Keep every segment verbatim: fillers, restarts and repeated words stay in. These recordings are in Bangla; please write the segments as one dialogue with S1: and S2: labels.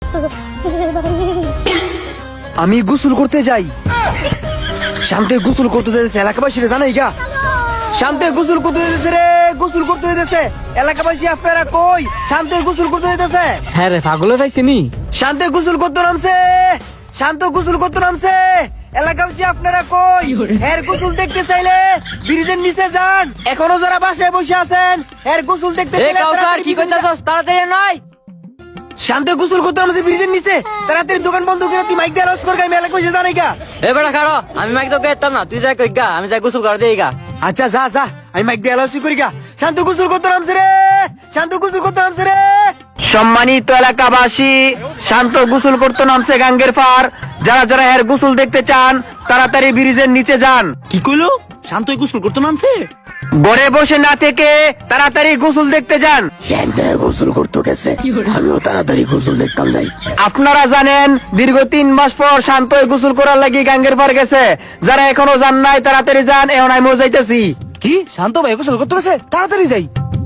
S1: আমি গোসল করতে যাই। শান্তে গোসল করতে যাইতেছে, এলাকাবাসী জানাই গা। শান্তে গোসল করতে যাইতেছে রে, গোসল করতে যাইতেছে। এলাকাবাসী আপনারা কই? শান্তে গোসল করতে যাইতেছে।
S2: হ্যাঁ রে, পাগলে পাইছি নি।
S1: শান্তে গোসল করতে নামছে, শান্ত গোসল করতে নামছে। এলাকাবাসী আপনারা কই? এর গোসল দেখতে চাইলে ব্রিজের নিচে যান। এখনো যারা বাসায় বসে আছেন, এর গোসল দেখতে
S2: এ
S1: চাইলে
S2: কাউসার,
S1: তাড়াতাড়ি
S2: কি
S1: ব্রিজে যান।
S2: কইতাছস? তাড়াতাড়ি নয়।
S1: শান্তে গোসল করতে নামছে ব্রিজের নিচে। তাড়াতাড়ি দোকান বন্ধ করে তুই মাইক দিয়ে লস কর গাই, এলাকাবাসী জানাই গা।
S2: এ বেটা খাড়ো, আমি মাইক তো কইতাম না, তুই যাই কই গা, আমি যাই গোসল করে দেই গা।
S1: আচ্ছা যা যা, আমি মাইক দিয়ে লস করি গা। শান্ত গোসল করতে নামছে রে, শান্ত গোসল করতে নামছে রে। সম্মানিত এলাকাবাসী, শান্ত গোসল করতে নামছে গাঙ্গের পার। যারা যারা এর গোসল দেখতে চান তাড়াতাড়ি ব্রিজের নিচে যান।
S3: কি কইলো? শান্ত গোসল করতে নামছে?
S1: ঘরে বসে না থেকে তাড়াতাড়ি গোসল দেখতে যান। শান্ত গোসল করতে গেছে, আমিও তাড়াতাড়ি গোসল দেখতাম যাই। আপনারা জানেন দীর্ঘ তিন মাস পর শান্ত গোসল করার লাগি গাঙ্গের পার গেছে। যারা এখনো যান নাই তাড়াতাড়ি যান, এখন আমি যাইতেছি।
S3: কি শান্ত ভাই গোসল করতে গেছে? তাড়াতাড়ি যাই।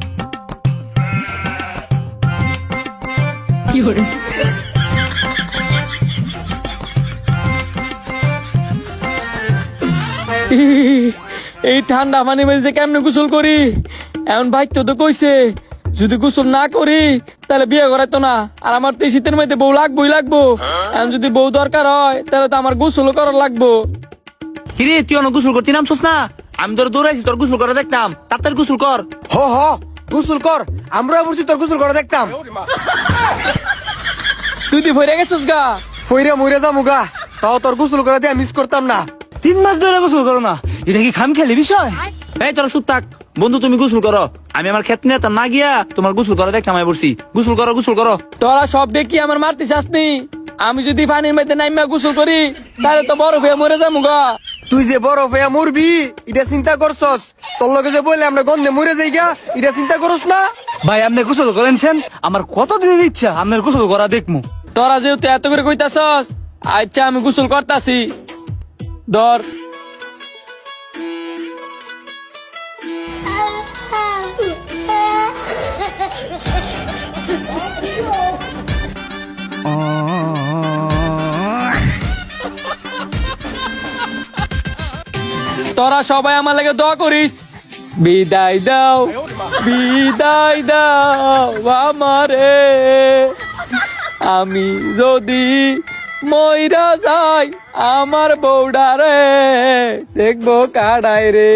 S2: এই ঠান্ডা পানি মেলছে কেমনে গোসল করি? এমন ভাই তো তো কইছে যদি গোসল না করি তাহলে বিয়ে করাইতো না। আর আমার তো এই শীতের মধ্যে বউ লাগবোই লাগবো। এখন যদি বউ দরকার হয় তাহলে তো আমার গোসল করার লাগবো।
S3: কিরে তুই অনেক গোসল করতে নামছস না? আমি তোর দৌড়াইছি, তোর গোসল করে দেখতাম। তাড়াতাড়ি গোসল কর।
S1: হ হ গোসল কর, আমরা বলছি তোর গোসল করে দেখতাম।
S2: তুই তুই ভরে গেছিস গা।
S1: ফইরে মইরে যামুগা, তাও তোর গোসল করে দিয়ে মিস করতাম না।
S3: তিন মাস ধরে গোসল করো না, এটা কি খাম খেলে বিষয়? এই তোরা চুপ থাক বন্ধু, তুমি গোসল করো। আমি আমার ক্ষেত নিয়ে না গিয়া তোমার গোসল করে দেখতাম। আমি বলছি গোসল করো, গোসল করো।
S2: তোরা সব দেখি আমার মারতে চাসনি। আমি যদি পানির মধ্যে নাইমা গোসল করি তাহলে তো বরফ হয়ে মরে যাবো গা।
S1: তুই যে বড় হয়ে মরবি এটা চিন্তা করছস? তোর লগে যে বললে আমরা গন্ধে মরে যাই গা, এটা চিন্তা করস না?
S3: ভাই আপনি গোসল করেনছেন, আমার কত দিনের ইচ্ছা আপনার গোসল করা দেখমু।
S2: তোরা যেহেতু এত করে কইতাছস, আচ্ছা আমি গোসল করতাছি। ধর তোরা সবাই আমার লাগে দোয়া করিস। বিদায় দাও, বিদায় দাও আমারে, আমি যদি মইরা যাই আমার বউডারে দেখবো কাড়াই রে।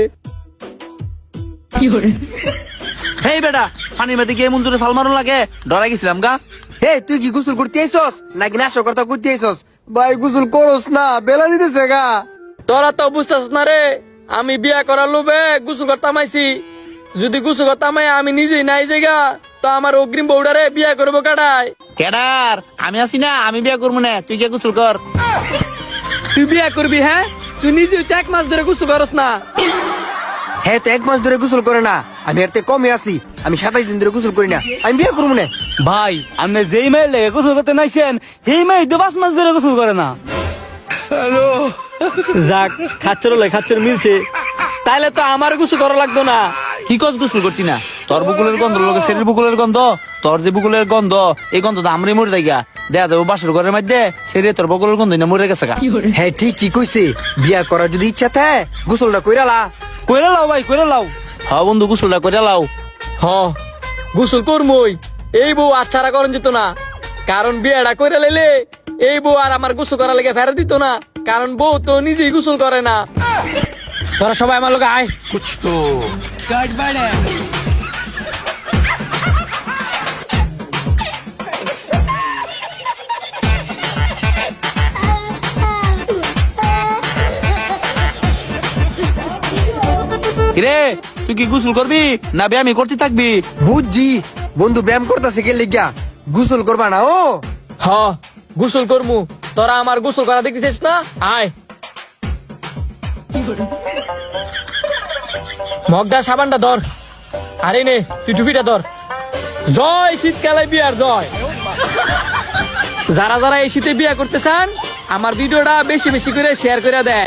S3: হেই বেটা, পানির মধ্যে গিয়ে মন জোরে ফাল মারুন লাগে, ডরাই গেছিলাম গা।
S1: হে তুই কি গোসল করতে আইছস নাকি নাশক কথা করতে আইছস? ভাই গোসল করস না, বেলা দিতেছে গা।
S2: তোরা তো বুঝতেছ না রে, আমি বিয়া করার লোভে গোসল করতাম আইছি। যদি গোসল করতাম আমি নিজেই নাই জায়গা তো আমার অগ্রিম বউডারে বিয়া করবো কাটাই।
S3: কেডার? আমি আছি না, আমি বিয়া করবো না, তুই গিয়ে গোসল কর।
S2: তুই বিয়া করবি? হ্যাঁ, তুই নিজে তো এক মাস ধরে গোসল করস না।
S1: হ্যাঁ তো এক মাস ধরে গোসল করে না, আমি এর থেকে কমে আছি। আমি সাতাইশ দিন ধরে গোসল করি না, আমি বিয়ে করবো না।
S3: ভাই আপনি যেই মেয়ে লেগে গোসল করতে নাইছেন সেই মেয়ে তো পাঁচ মাস ধরে গোসল করে না।
S2: যাক, খাচ্চর লাই খাচ্চর মিলছে, তাইলে তো আমার গোসল করা লাগতো না।
S3: কি কস গোসল করতি না? তোর বুকুলের গন্ধ লোকে শরীর বুকুলের গন্ধ, তোর যে বুকুলের গন্ধ এই গন্ধ তো আমরাই মরে যাই গা। দেখা যাবো বাসর ঘরের মধ্যে শরীরে তোর বুকুলের গন্ধ না মরে গেছে গা।
S1: হ্যাঁ ঠিক কি কইছে, বিয়া করার যদি ইচ্ছা থাকে গোসলটা কইরালা।
S3: কইরা লাও ভাই, কইরা লাও। হ্যাঁ বন্ধু গোসলটা কইরা লাও।
S2: হ গোসল করমই, এই বউ আচ্ছারা করেন যেত না। কারণ বিয়েটা করে লাইলে এই বউ আর আমার গোসল করার লেগে ফেরত দিত না, কারণ বউ তো নিজেই গোসল করে না। তোরা সবাই আমার লোক আয়।
S3: রে তুই কি গোসল করবি না ব্যায়ামই করতে থাকবি?
S1: বুঝছি বন্ধু ব্যায়াম করতেছে কে লিগা, গোসল করবা না? ও
S2: হ গোসল করমু, তোরা আমার গোসল করা দেখতেছিস না? আয় মগডা সাবানটা ধর, আরে নে তুই টুপিটা ধর। জয় শীতকালে বিয়ার জয়। যারা যারা এই শীতে বিয়া করতে চান আমার ভিডিওটা বেশি বেশি করে শেয়ার করে দেয়।